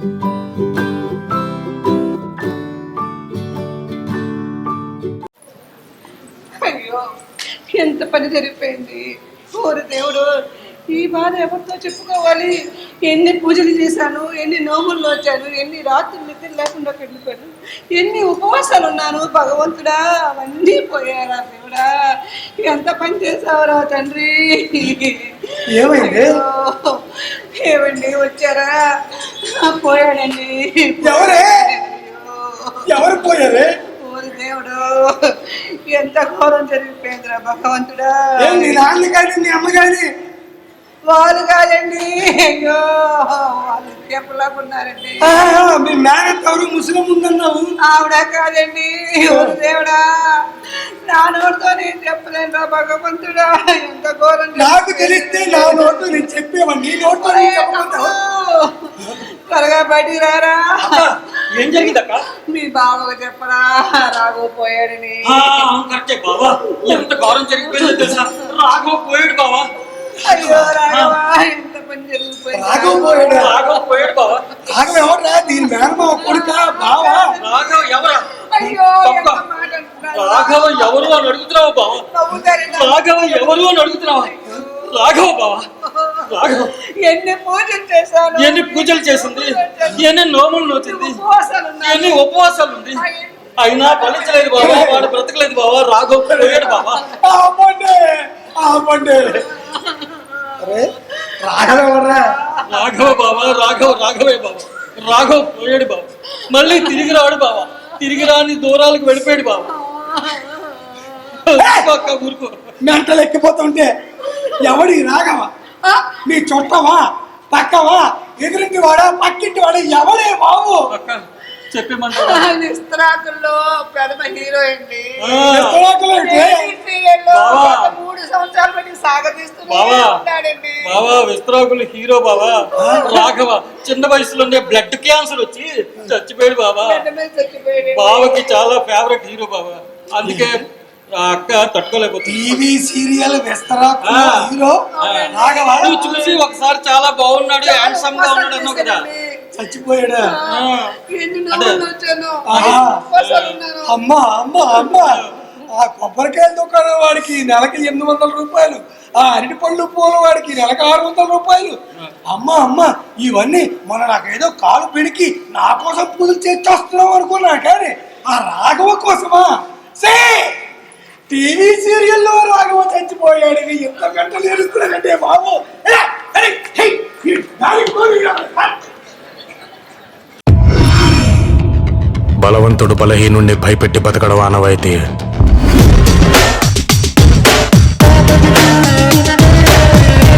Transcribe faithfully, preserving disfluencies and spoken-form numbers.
అయ్యో ఎంత పని జరిగిపోయింది. ఓరి దేవుడు, ఈ బాధ ఎవరితో చెప్పుకోవాలి? ఎన్ని పూజలు చేశాను, ఎన్ని నోములు వచ్చాను, ఎన్ని రాత్రులు నిద్ర లేకుండా వెళ్ళిపోయాను, ఎన్ని ఉపవాసాలు ఉన్నాను భగవంతుడా, అవన్నీ పోయారా దేవుడా? ఎంత పని చేసావురా తండ్రి. ఏమైంది? ఏమండి వచ్చారా? పోయాడండి. ఎవరే? ఎవరు పోయారే? దేవుడు, ఎంత ఘోరం జరిగిపోయిందిరా భగవంతుడా. నీ నాన్న కానీ నీ అమ్మ కానీ? వాళ్ళు కాదండి, అయ్యో వాళ్ళు చెప్పలాగా ఉన్నారండి. మీ మేనత్ ఎవరు ముస్లిం ఉందన్నావు? ఆవిడ కాదండి. దేవుడా, నా నోటితో నేను చెప్పలేను రా భగవంతుడా, ఎంత ఘోరం. నాకు తెలిస్తే నా నోటు నేను చెప్పేవాడిని, నీ నోటు త్వరగా బయటికి రారా. ఏం జరిగిందక్క? మీ బావకు చెప్పరా రాఘవ పోయాడని. కరెక్టే బావా, ఎంత ఘోరం జరిగిపోయిందో తెలుసా? రాఘవ పోయాడు బావా. అయ్యో రాఘవ, ఎంత పని జరిగిపోయింది. రాఘవ పోయాడు. రాఘవ పోయాడు బావా. రాఘవ ఎవరా? దీని మేనమా కొడుక బావా? రాఘవ ఎవరా? అయ్యో ఎంత మాట అంటున్నారు. రాఘవ ఎవరు అని అడుగుతున్నావా బావా? రాఘవ ఎవరు అని అడుగుతున్నావా? రాఘవ బావా, రాఘవ ఎన్ని పూజలు చేశాను, ఎన్ని పూజలు చేసింది, ఎన్ని నోములు నోచింది, ఎన్ని ఉపవాసాలు ఉంది, అయినా ఫలించలేదు బాబా, వాడు బ్రతకలేదు బాబా. రాఘవ పోయాడు బాబా. రాఘవ బాబా, రాఘవ రాఘవే బాబా. రాఘవ పోయాడు బాబా, మళ్ళీ తిరిగి రాడు బాబా. తిరిగి రాని దూరాలకు వెళ్ళిపోయాడు బాబా. ఊరుకో, మెంటలు ఎక్కిపోతుంటే ఎవడి రాఘవ? నీ చుట్టవా, పక్కవా, ఎదురింటి వాడా, పక్కింటి వాడా, ఎవడే బాబు? విస్తరాకుల్లో ప్రథమ హీరో అండి. మూడు సంవత్సరాల బట్టి సాగదీస్తున్నాడండి బావా. విస్తరాకులు హీరో బావా. రాఘవ చిన్న వయసులోనే బ్లడ్ క్యాన్సర్ వచ్చి చచ్చిపోయాడు బావా. బావకి చాలా ఫేవరెట్ హీరో బావా, అందుకే అక్క తట్టుకోలేకపోతుంది. టీవీ సీరియల్ విస్తరాకుల హీరో రాఘవ చూసి ఒకసారి చాలా బాగున్నాడు, హ్యాండ్సమ్ గా ఉన్నాడు అన్నావు కదా, చచ్చిపోయాడా? అమ్మా అమ్మా అమ్మా, ఆ కొబ్బరికాయల దుకాణం వాడికి నెలకి ఎనిమిది వందల రూపాయలు, ఆ అరటి పళ్ళు పూల వాడికి నెలకు ఆరు వందల రూపాయలు. అమ్మా అమ్మా, ఇవన్నీ మొన్న నాకేదో కాలు పిడికి నా కోసం పూజలు చేస్తున్నావు అనుకున్నా, కానీ ఆ రాఘవ కోసమా? సే టీవీ సీరియల్లో రాఘవ చచ్చిపోయాడు, ఎంత గంటలు ఏడుస్తున్నాడంటే బాబు. బలవంతుడు బలహీనుణ్ణి భయపెట్టి బతకడం ఆనవాయితీ.